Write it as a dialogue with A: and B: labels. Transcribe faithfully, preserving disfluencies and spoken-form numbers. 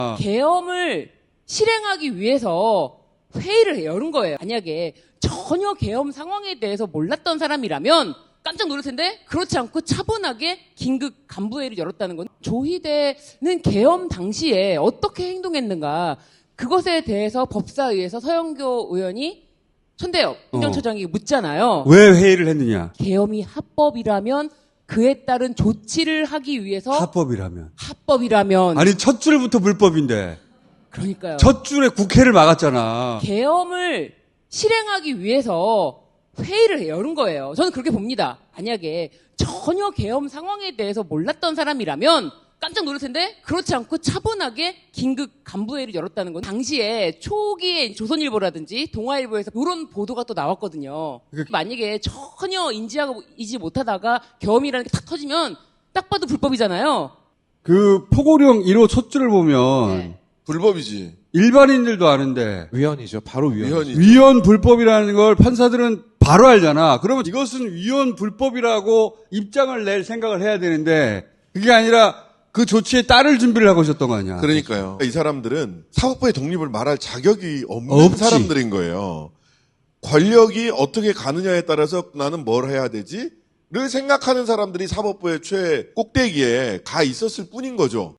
A: 계엄을 실행하기 위해서 회의를 열은 거예요. 만약에 전혀 계엄 상황에 대해서 몰랐던 사람이라면 깜짝 놀랄 텐데 그렇지 않고 차분하게 긴급 간부회의를 열었다는 건 조희대는 계엄 당시에 어떻게 행동했는가 그것에 대해서 법사위에서 서영교 의원이 손대엽 행정처장이 묻잖아요.
B: 왜 회의를 했느냐?
A: 계엄이 합법이라면 그에 따른 조치를 하기 위해서
B: 합법이라면.
A: 합법이라면
B: 아니 첫 줄부터 불법인데.
A: 그러니까요.
B: 첫 줄에 국회를 막았잖아.
A: 계엄을 실행하기 위해서 회의를 열은 거예요. 저는 그렇게 봅니다. 만약에 전혀 계엄 상황에 대해서 몰랐던 사람이라면 깜짝 놀랄 텐데 그렇지 않고 차분하게 긴급 간부회의를 열었다는 건 당시에 초기에 조선일보라든지 동아일보에서 이런 보도가 또 나왔거든요. 만약에 전혀 인지하고 이지 못하다가 계엄이라는 게 탁 터지면 딱 봐도 불법이잖아요.
B: 그 포고령 일 호 첫 줄을 보면
A: 네.
C: 불법이지.
B: 일반인들도 아는데
D: 위헌이죠. 바로 위헌.
C: 위헌이죠.
B: 위헌 불법이라는 걸 판사들은 바로 알잖아. 그러면 이것은 위헌 불법이라고 입장을 낼 생각을 해야 되는데 그게 아니라 그 조치에 따를 준비를 하고 있었던 거 아니야.
C: 그러니까요. 이 사람들은 사법부의 독립을 말할 자격이 없는
B: 없지.
C: 사람들인 거예요. 권력이 어떻게 가느냐에 따라서 나는 뭘 해야 되지? 를 생각하는 사람들이 사법부의 최 꼭대기에 가 있었을 뿐인 거죠.